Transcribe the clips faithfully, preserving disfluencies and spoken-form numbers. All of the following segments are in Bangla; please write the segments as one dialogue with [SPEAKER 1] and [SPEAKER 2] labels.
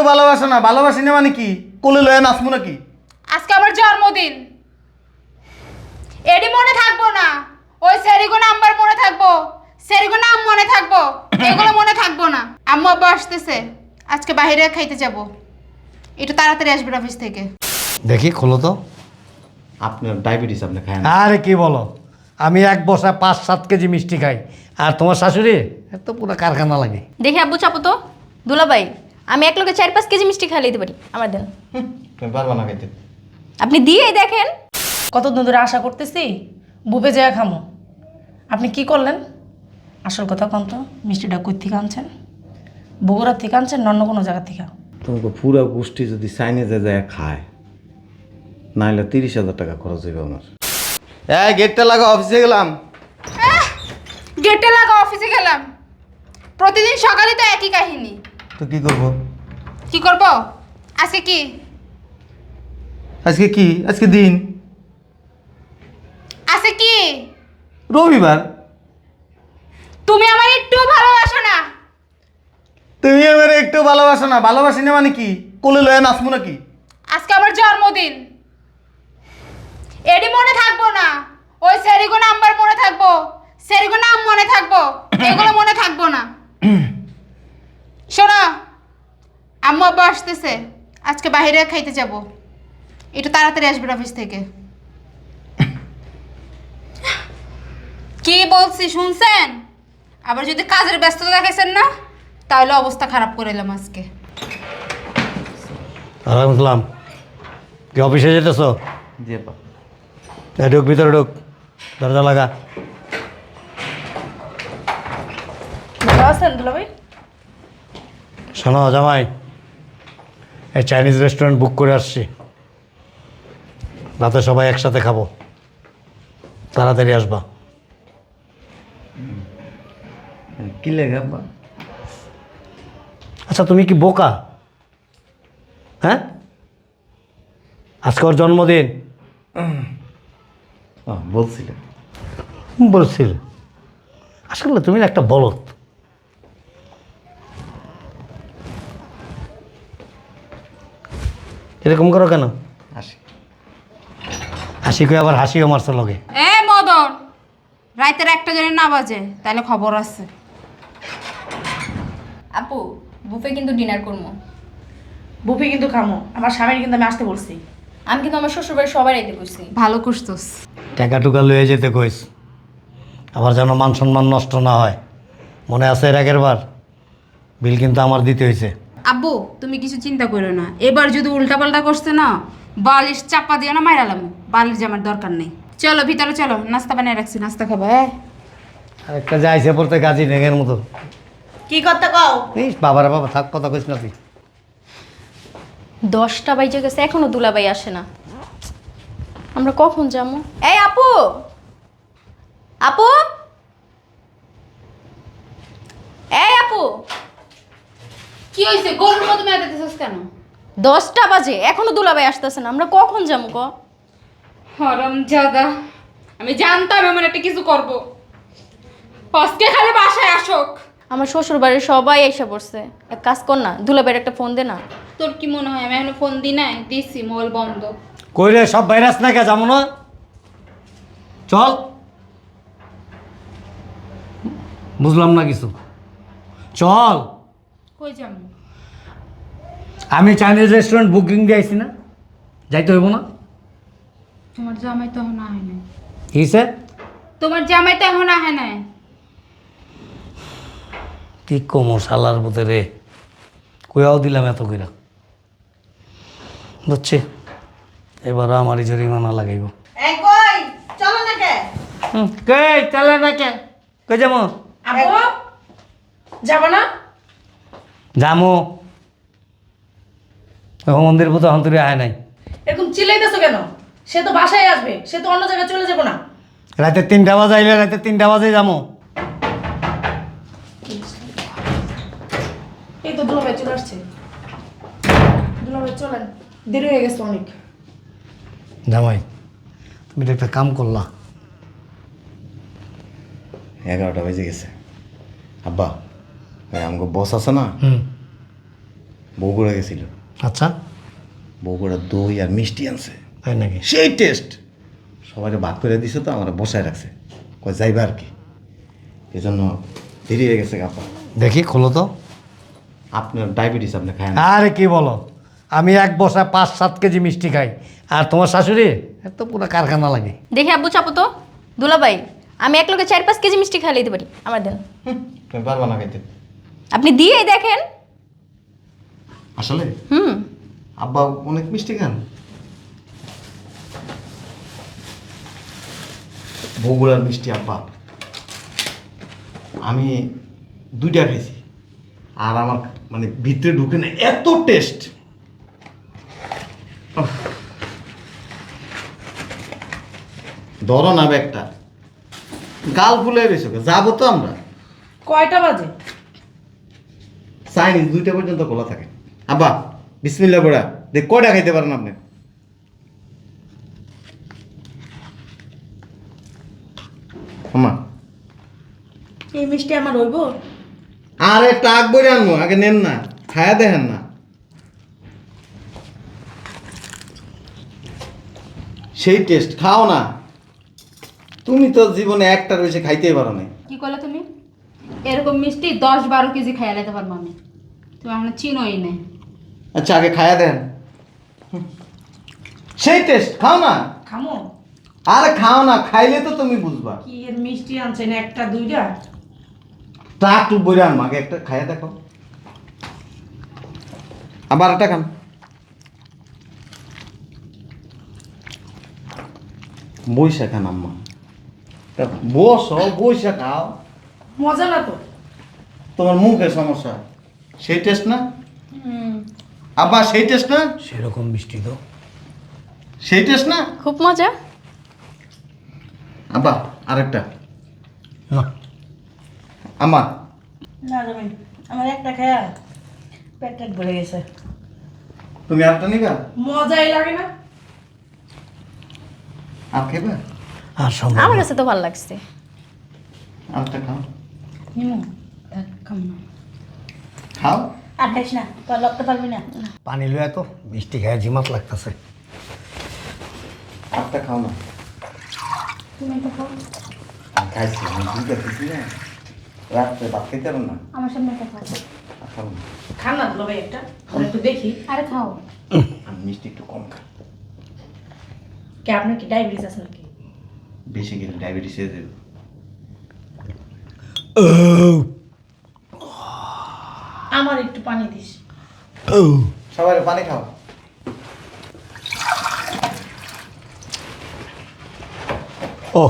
[SPEAKER 1] ভালোবাসো না, ভালোবাসি না মানে কি? কোলে লয়ে নাচবো নাকি?
[SPEAKER 2] আজকে আমার জন্মদিন, এডি মনে থাকবো না, ওই সেরিগো নাম্বার মনে থাকবো, সেরিগো নাম মনে থাকবো, এগুলো মনে থাকবো না। আম্মু আব্বা আসতেছে, আজকে বাইরে খাইতে যাব, একটু তাড়াতাড়ি আসবেন অফিস থেকে।
[SPEAKER 3] দেখি খোলো তো।
[SPEAKER 1] আপনার ডায়াবেটিস, আপনি খায় না?
[SPEAKER 3] আরে কি বলো, আমি এক বসা পাঁচ সাত কেজি মিষ্টি খাই, আর তোমার শাশুড়ি এত পুরো কারখানা লাগে।
[SPEAKER 4] দেখি আব্বু চাপো তো। দুলাভাই, আমি এক লোকে চার পাঁচ কেজি মিষ্টি খাইয়ে দিতে পারি, আমার দেন।
[SPEAKER 1] তুমি পারবা না খাইতে।
[SPEAKER 4] আপনি দিয়েই দেখেন।
[SPEAKER 5] কতদিন ধরে আশা করতেছি বুবে যায় খামো, আপনি কি করলেন? আসল কথা কন তো, মিষ্টিটা কই থেকে আনছেন? বগুড়ার থেকে আনছেন না অন্য কোনো জায়গা থেকে?
[SPEAKER 1] তোমাকে পুরো গোষ্ঠী যদি চাইনিজে যায় খায়, নাহলে তিরিশ হাজার টাকা খরচ হইবে আমার। এই গেটটা লাগা, অফিসে গেলাম।
[SPEAKER 2] গেটে লাগা, অফিসে গেলাম। প্রতিদিন সকালে তো একই কাহিনী।
[SPEAKER 1] তো কি করবো?
[SPEAKER 2] কি করব? আজকে কি?
[SPEAKER 1] আজকে কি? আজকে দিন
[SPEAKER 2] আজকে কি?
[SPEAKER 1] রবিবার।
[SPEAKER 2] তুমি আমার একটু ভালোবাসো না।
[SPEAKER 1] তুমি আমার একটু ভালোবাসো না, ভালোবাসি না মানে কি? কোলে লয়ে নাচবো নাকি?
[SPEAKER 2] আজকে আমার জন্মদিন, এডি মনে থাকবো না, ওই সেরিগো নাম্বার মনে থাকবো, সেরিগো নাম মনে থাকবো, এগুলো মনে থাকবো না। শোনো, আম্মু আব্বা আসতেছে, আজকে বাইরে খাইতে যাব, একটু তাড়াতাড়ি আসবেন অফিস থেকে। কি বলছি শুনছেন? আবার যদি কাজের ব্যস্ততা দেখাইছেন না, তাহলে অবস্থা খারাপ করে এলাম আজকে।
[SPEAKER 3] আরাম কি অফিসে যেতেছ?
[SPEAKER 1] জি আপা।
[SPEAKER 3] এই ঢুক, ভিতরে ঢুক, দরজা লাগা।
[SPEAKER 5] ভালো আছেন দুলাভাই?
[SPEAKER 3] শোনো জামাই, এই চাইনিজ রেস্টুরেন্ট বুক করে আসছি, রাতে সবাই একসাথে খাবো, তাড়াতাড়ি আসবা।
[SPEAKER 1] কি লেগে আপা?
[SPEAKER 3] আচ্ছা তুমি কি বোকা? হ্যাঁ, আজকে ওর জন্মদিন
[SPEAKER 1] বলছিলেন
[SPEAKER 3] বলছিল। আসলে তুমি না একটা বলদ। এরকম করো কেন?
[SPEAKER 1] আসি।
[SPEAKER 3] হাসি কই আবার হাসিও মারছে লগে।
[SPEAKER 2] এ মদন, রাতের একটা জনে না বাজে, তাহলে খবর আছে।
[SPEAKER 4] আপু, বুফে কিন্তু ডিনার করবো।
[SPEAKER 5] বুফে কিন্তু খামো, আমার স্বামীর কিন্তু আমি আসতে বলছি।
[SPEAKER 4] আমি কিন্তু আমার শ্বশুরবাড়ি সবাই রাইতে করছি।
[SPEAKER 2] ভালো করছস।
[SPEAKER 3] টাকা টুকা লয়ে যেতে কইস, আবার যেন মান সম্মান নষ্ট না হয়। মনে আছে এর আগের বার বিল কিন্তু আমার দিতে হয়েছে।
[SPEAKER 2] আব্বু, তুমি কিছু চিন্তা করো না, এবার যদি উল্টাপাল্টা করছে না, বালিশ চাপা দিয়ে না মাইরালাম। বালিশ জামার দরকার নেই। চলো ভিতরে চলো, নাস্তা বানিয়ে রাখছি, নাস্তা খাবো। হ্যাঁ,
[SPEAKER 3] আর একটা যাইছে পড়তে কাজী নেগের মতো।
[SPEAKER 5] কি করতে কও?
[SPEAKER 3] ইস বাবারা বাবা, থাক, কথা কইস না তুই।
[SPEAKER 4] দশটা বাইজে গেছে, এখনো দুলাভাই আসে না। আমরা কখন যাবো? এই আপু, আপু, এই আপু,
[SPEAKER 2] কি হয়েছে? গরুর মতো মেয়ে দিতেছস কেন?
[SPEAKER 4] দশটা বাজে এখনো দুলাভাই আসতেছে না, আমরা কখন যাবো ক?
[SPEAKER 2] হরম জাদা, আমি জানতাম এমন একটা কিছু করব। আজকে খালি বাসায় আসুক।
[SPEAKER 4] আমার শ্বশুর বাড়ির সবাই এসে পড়ছে, এক কাজ কর না, দুলাভাইয়ের একটা ফোন দে না।
[SPEAKER 2] তোর কি মনে হয় আমি এখনো ফোন দিই নাই? দিছি, মোবাইল বন্ধ।
[SPEAKER 3] কই রে, সব ভাইরাস না কে যাবো না? চল। বুঝলাম না কিছু, চল।
[SPEAKER 2] কই যাবো?
[SPEAKER 3] আমি চাইনিজ রেস্টুরেন্ট বুকিং দিয়েছি না, যাইতে হইব না?
[SPEAKER 2] তোমার জামাই তো এখন আহে নাই।
[SPEAKER 3] কিসে?
[SPEAKER 2] তোমার জামাই তো এখন আহে নাই।
[SPEAKER 3] কি কমো শালার মধ্যে রে, কইয়াও দিলাম এত কইরা। বুঝছি, এবার আমারই জরিমানা লাগাইব।
[SPEAKER 5] এই কই চলো না কে?
[SPEAKER 3] হুম, কে চলে না কে? কই যাবো?
[SPEAKER 5] আব্বু যাব না?
[SPEAKER 3] যামো। মন্দির পুতো হন্তরে আয় নাই।
[SPEAKER 5] এরকম চিল্লাইতেছো কেন? সে তো বাসায় আসবে, সে তো অন্য জায়গায় চলে যাব না।
[SPEAKER 3] রাতে তিনটা বাজে আইলে রাতে তিনটা বাজে যাবো।
[SPEAKER 5] এই তো দুলাভাই চলে আসছে। দুলাভাই চলেন, দেরি হয়ে গেছে অনেক।
[SPEAKER 3] জামাই, তুমি তো একটা কাম করলা।
[SPEAKER 1] এগারোটা বেজে গেছে। আব্বা, ওই আমাকে বস আছে না,
[SPEAKER 3] হুম,
[SPEAKER 1] বগুড়া গেছিল,
[SPEAKER 3] আচ্ছা,
[SPEAKER 1] বগুড়া দই আর মিষ্টি আনছে,
[SPEAKER 3] তাই নাকি?
[SPEAKER 1] সেই টেস্ট। সবাই ভাগ করে দিছে তো, আমার বসায় রাখছে, কয় যাইবা আর কি, এই জন্য দেরি হয়ে গেছে আপা।
[SPEAKER 3] দেখি খোলো তো।
[SPEAKER 1] আপনার ডায়াবেটিস, আপনি খায় না।
[SPEAKER 3] আরে কি বলো, আমি এক বসায় পাঁচ সাত কেজি মিষ্টি খাই, আর তোমার শাশুড়ি এত পুরো কারখানা লাগে।
[SPEAKER 4] দেখি আব্বু চাপো তো। দুলাভাই, আমি এক লোকে চার পাঁচ কেজি মিষ্টি খাই দিতে পারি, আমার দেন।
[SPEAKER 1] হুম, তুমি পারবা না খাইতে
[SPEAKER 4] আপনি দিয়েই দেখেন।
[SPEAKER 1] আসলে।
[SPEAKER 4] হুম।
[SPEAKER 1] আব্বা অনেক মিষ্টি খান। বগুড়ার মিষ্টি আব্বা আমি দুইটা খেয়েছি, আর আমার মানে ভিতরে ঢুকে না, এত টেস্ট। ধরো না ব্যাগটা, গাল ফুলে রয়েছে, যাবো তো আমরা।
[SPEAKER 5] কয়টা বাজে?
[SPEAKER 1] চাইনিজ দুইটা পর্যন্ত খোলা থাকে। আব্বা বিসমিল্লাহ বড়া দেখ, কয়টা খাইতে পারেন আপনি? আমা
[SPEAKER 5] এই মিষ্টি আমার হইব?
[SPEAKER 1] আরে টাক বইরে আনবো, আগে নেন না, খায়া দেখেন না। সেই টেস্ট, খাও না। তুমি তো জীবনে একটার বেশি খাইতেই পারো না।
[SPEAKER 2] কি করলে তুমি? এরকম মিষ্টি দশ বারো কেজি খাইয়া নিতে পারবো আমি। তুমি আমার চিনোই নেই।
[SPEAKER 1] আচ্ছা আগে খায়া দেন। হুম। সেই টেস্ট, খাও না।
[SPEAKER 5] খামো?
[SPEAKER 1] আরে খাও না, খাইলে তো তুমি বুঝবা।
[SPEAKER 5] কি এর মিষ্টি আনছেন একটা দুইটা?
[SPEAKER 1] টাক টুক বইরে আনবো, আগে একটা খায়া দেখো, আবার একটা খান। বইসা খান আম্মা, তা বসো, বইসা খাও।
[SPEAKER 5] মজা না তো?
[SPEAKER 1] তোমার মুখের সমস্যা, সেই টেস্ট না আব্বা, সেই টেস্ট না,
[SPEAKER 3] সেরকম মিষ্টি তো।
[SPEAKER 1] সেই টেস্ট না
[SPEAKER 4] খুব মজা।
[SPEAKER 1] আব্বা। আরেকটা
[SPEAKER 3] না,
[SPEAKER 1] আম্মা।
[SPEAKER 5] না জামাই, আমার একটা খায়া পেট টেট ভরে গেছে।
[SPEAKER 1] তুমি আরেকটা নিবা?
[SPEAKER 5] মজাই লাগে না?
[SPEAKER 1] আর খেবা?
[SPEAKER 3] আর সম্ভব
[SPEAKER 4] আমার
[SPEAKER 3] না।
[SPEAKER 4] কাছে তো ভালো লাগছে।
[SPEAKER 1] আরেকটা খাও,
[SPEAKER 5] নিমু
[SPEAKER 2] খাম না।
[SPEAKER 1] খাও।
[SPEAKER 5] আর খাইস না, তোর লাগতে পারবি না।
[SPEAKER 3] পানি লুয়া তো, মিষ্টি খায় জিমাত লাগতেছে।
[SPEAKER 1] আরেকটা খাও না।
[SPEAKER 2] তুমি একটা খাও।
[SPEAKER 1] আমি খাইছি, আমি দুইটা খেয়েছি না, রাত্রে ভাত খেতে পারো না।
[SPEAKER 2] আমার সামনে একটা খাও।
[SPEAKER 1] আর খাবো না।
[SPEAKER 5] খান না দুলা ভাই একটা, আমরা একটু দেখি।
[SPEAKER 2] আরে খাও।
[SPEAKER 1] আমি মিষ্টি একটু কম খাই,
[SPEAKER 5] কে আপনার কি ডায়াবেটিস আছে নাকি?
[SPEAKER 1] বেশি খেলে ডায়াবেটিস হয়ে যাবে।
[SPEAKER 5] আমার একটু পানি দিস।
[SPEAKER 1] সবাই পানি খাও।
[SPEAKER 3] ও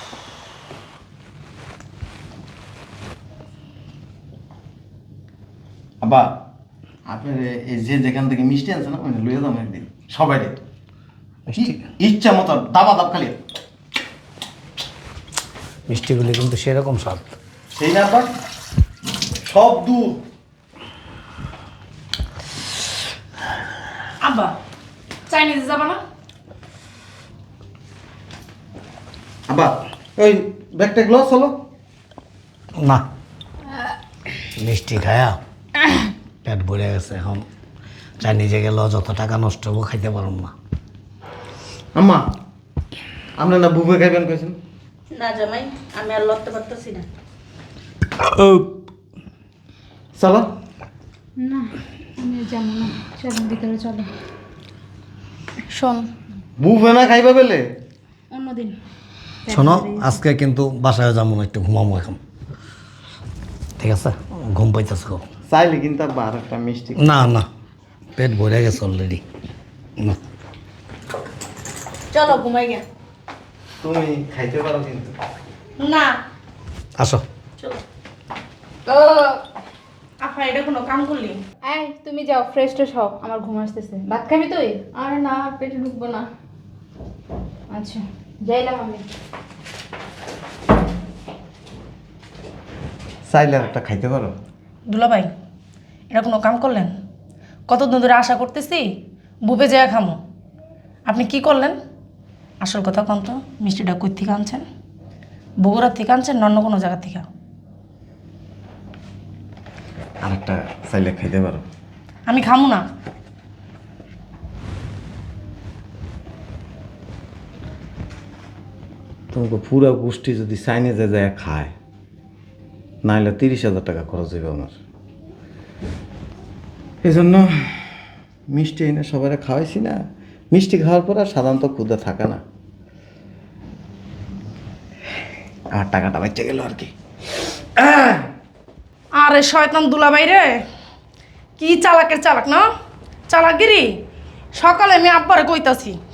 [SPEAKER 1] আব্বা আপনার এই যে যেখান থেকে মিষ্টি আনছে না, ওখানে লইয়া দাম একদিন সবাই রে,
[SPEAKER 3] মিষ্টি
[SPEAKER 1] ইচ্ছা মতো দাবা দাব খালি।
[SPEAKER 3] মিষ্টিগুলি কিন্তু সেরকম স্বাদ।
[SPEAKER 1] সেই না আব্বা, সব দূর।
[SPEAKER 5] আব্বা চাইনিজে যাবা না?
[SPEAKER 1] আব্বা ওই ব্যাগটা গ্লাস হলো
[SPEAKER 3] না, মিষ্টি খায়া পেট ভরে গেছে, এখন চাইনিজে গেল যত টাকা নষ্ট হবো, খাইতে পারুম না।
[SPEAKER 1] আম্মা আমরা না বুবে খাইবেন কইছেন।
[SPEAKER 5] না জামাই, আমি আর লড়তে পারতেছি না।
[SPEAKER 1] চলো।
[SPEAKER 2] না আমি যাবো না, চলো ভিতরে চলো।
[SPEAKER 4] শোন,
[SPEAKER 1] বুবে না খাইবা পেলে
[SPEAKER 2] অন্যদিন।
[SPEAKER 3] শোনো, আজকে কিন্তু বাসায় যাবো না, একটু ঘুমাবো এখন, ঠিক আছে? ঘুম পাইতেছে খুব।
[SPEAKER 1] চাইলে কিন্তু আব্বা আর একটা মিষ্টি।
[SPEAKER 3] না না, পেট ভরে গেছে অলরেডি। না,
[SPEAKER 5] চলো ঘুমাই গে।
[SPEAKER 1] তুমি খাইতে পারো কিন্তু।
[SPEAKER 5] না
[SPEAKER 3] আসো।
[SPEAKER 5] চলো। আপা এটা কোনো কাম করলি?
[SPEAKER 2] এই তুমি যাও, ফ্রেশ ট্রেশ হও, আমার ঘুম আসতেছে। ভাত খাবি তুই?
[SPEAKER 4] আর না, পেটে ঢুকবো না।
[SPEAKER 2] আচ্ছা যাইলাম আমি।
[SPEAKER 1] চাইলে আর একটা খাইতে পারো।
[SPEAKER 5] দুলা ভাই, এটা কোনো কাম করলেন? কতদিন ধরে আশা করতেছি বুবে যায় খামো, আপনি কি করলেন? আসল কথা কন তো, মিষ্টিটা কই থেকে আনছেন? বগুড়ার থেকে আনছেন না অন্য কোনো জায়গা থেকে?
[SPEAKER 1] আর একটা চাইলে খাইতে পারো।
[SPEAKER 5] আমি খামু না।
[SPEAKER 1] তোমাকে পুরা গোষ্ঠী যদি চাইনিজে যায় খায়, নাহলে তিরিশ হাজার টাকা খরচ হইবে আমার। এই জন্য মিষ্টি এনে সবাই খাওয়াইছি না। মিষ্টি খাওয়ার পর আর সাধারণত ক্ষুদা থাকে না। আর টাকাটা বাচ্চা গেল আর কি।
[SPEAKER 5] আরে শয়তান দুলাভাই রে, কি চালাকের চালাক না, চালাকগিরি। সকালে আমি আব্বারে কইতাছি